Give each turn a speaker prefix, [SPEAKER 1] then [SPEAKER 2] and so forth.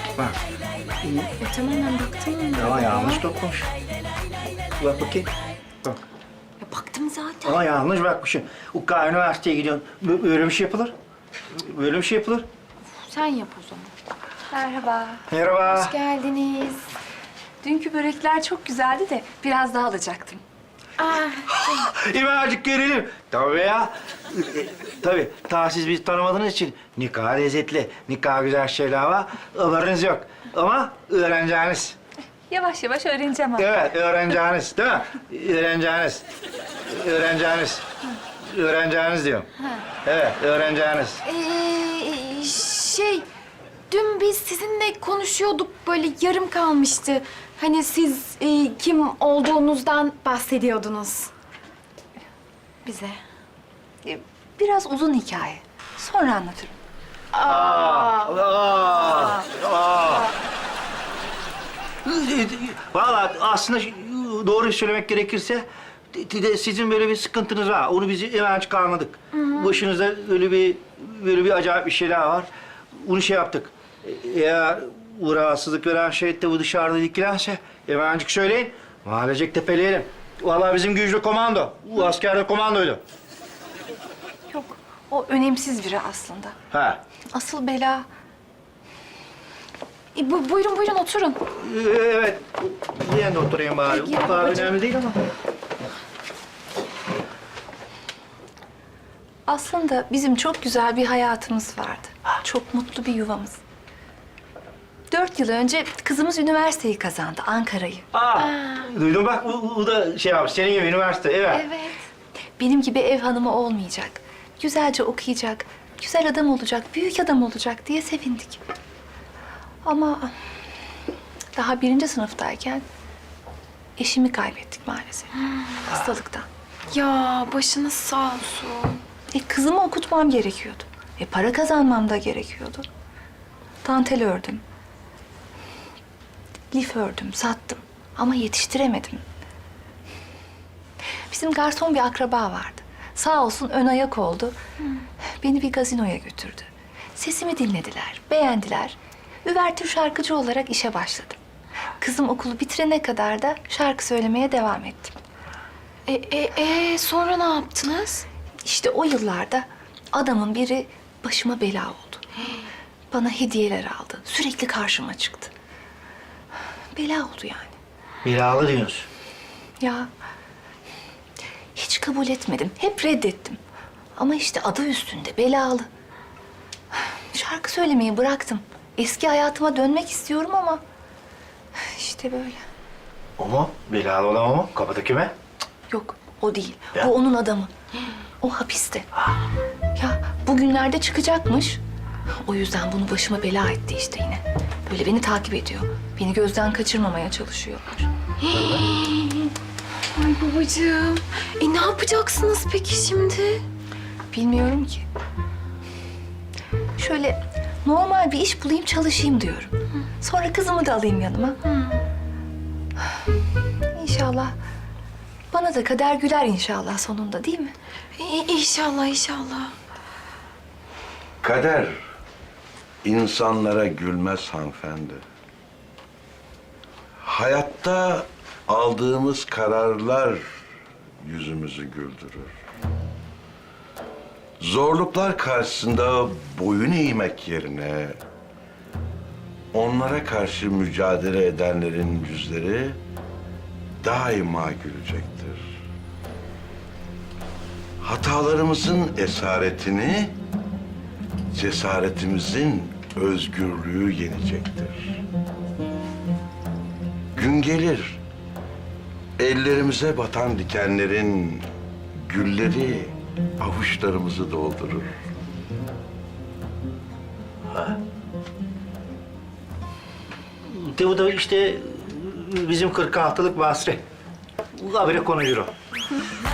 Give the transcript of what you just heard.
[SPEAKER 1] Bak.
[SPEAKER 2] Tamam ben baktım.
[SPEAKER 1] Ama yanlış dokunmuş. Bak bakayım. Bak.
[SPEAKER 2] Ya, baktım zaten.
[SPEAKER 1] Ama yanlış bakmışım. Ukka üniversiteye gidiyorsun. Böyle bir şey yapılır. Böyle bir şey yapılır.
[SPEAKER 2] Sen yap o zaman.
[SPEAKER 3] Merhaba.
[SPEAKER 1] Merhaba.
[SPEAKER 2] Hoş geldiniz.
[SPEAKER 3] Dünkü börekler çok güzeldi de biraz daha alacaktım.
[SPEAKER 1] İmacık görelim. Tabii ya. Tabii. Ta siz bizi tanımadığınız için nikah lezzetli, nikah güzel şeyler var. Haberiniz yok. Ama öğreneceğiniz.
[SPEAKER 3] Yavaş yavaş öğreneceğim ama.
[SPEAKER 1] Evet, öğreneceğiniz değil mi? Öğreneceğiniz. Öğreneceğiniz. Öğreneceğiniz diyorum. Evet, öğreneceğiniz.
[SPEAKER 2] Dün biz sizinle konuşuyorduk, böyle yarım kalmıştı. Hani siz kim olduğunuzdan bahsediyordunuz. Bize.
[SPEAKER 3] Biraz uzun hikaye. Sonra anlatırım.
[SPEAKER 1] Vallahi aslında doğruyu söylemek gerekirse sizin böyle bir sıkıntınız var. Onu bizi hemen çıkarmadık. Başınızda böyle bir acayip bir şeyler var. Bunu şey yaptık. Eğer bu rahatsızlık veren şey de bu dışarıda dikilense hemencik söyleyin. Mahallecek tepeleyelim. Vallahi bizim güçlü komando. Bu askerde komandoydu.
[SPEAKER 3] Yok, o önemsiz biri aslında.
[SPEAKER 1] Ha.
[SPEAKER 3] Asıl bela...
[SPEAKER 2] Buyurun oturun.
[SPEAKER 1] Evet. Ben de oturayım bari.
[SPEAKER 2] Peki,
[SPEAKER 1] Bu kadar
[SPEAKER 2] babacığım.
[SPEAKER 1] önemli değil ama.
[SPEAKER 3] Aslında bizim çok güzel bir hayatımız vardı. Çok mutlu bir yuvamız. 4 yıl önce kızımız üniversiteyi kazandı, Ankara'yı.
[SPEAKER 1] Duydum bak bu da şey yapmış. Senin gibi üniversite. Evet.
[SPEAKER 3] Evet. Benim gibi ev hanımı olmayacak. Güzelce okuyacak, güzel adam olacak, büyük adam olacak diye sevindik. Ama daha 1. sınıftayken eşimi kaybettik maalesef. Hastalıktan.
[SPEAKER 2] Ya başınız sağ olsun.
[SPEAKER 3] Kızımı okutmam gerekiyordu. Para kazanmam da gerekiyordu. Dantel ördüm. Lif ördüm, sattım. Ama yetiştiremedim. Bizim garson bir akraba vardı. Sağ olsun ön ayak oldu. Beni bir gazinoya götürdü. Sesimi dinlediler, beğendiler. Üvertür şarkıcı olarak işe başladım. Kızım okulu bitirene kadar da şarkı söylemeye devam ettim.
[SPEAKER 2] Sonra ne yaptınız?
[SPEAKER 3] İşte o yıllarda adamın biri başıma bela oldu. Bana hediyeler aldı. Sürekli karşıma çıktı. Bela oldu yani.
[SPEAKER 1] Belalı diyorsun.
[SPEAKER 3] Ya hiç kabul etmedim. Hep reddettim. Ama işte adı üstünde belalı. Şarkı söylemeyi bıraktım. Eski hayatıma dönmek istiyorum ama işte böyle.
[SPEAKER 1] O mu? Belalı olan o mu? Kapıdaki mi?
[SPEAKER 3] Yok, o değil.
[SPEAKER 1] Ya.
[SPEAKER 3] Bu onun adamı. O hapiste. Ya bugünlerde çıkacakmış. O yüzden bunu başıma bela etti işte yine. Böyle beni takip ediyor. Beni gözden kaçırmamaya çalışıyorlar.
[SPEAKER 2] Ay babacığım. Ne yapacaksınız peki şimdi?
[SPEAKER 3] Bilmiyorum ki. Şöyle normal bir iş bulayım çalışayım diyorum. Sonra kızımı da alayım yanıma. İnşallah bana da kader güler inşallah sonunda değil mi?
[SPEAKER 2] İnşallah.
[SPEAKER 4] Kader insanlara gülmez hanımefendi. Hayatta aldığımız kararlar yüzümüzü güldürür. Zorluklar karşısında boyun eğmek yerine onlara karşı mücadele edenlerin yüzleri daima gülecektir. Hatalarımızın esaretini cesaretimizin özgürlüğü yenecektir. Gün gelir, ellerimize batan dikenlerin gülleri avuçlarımızı doldurur.
[SPEAKER 1] Bu da işte bizim 46'lık Basri. Bu habire konuşur o.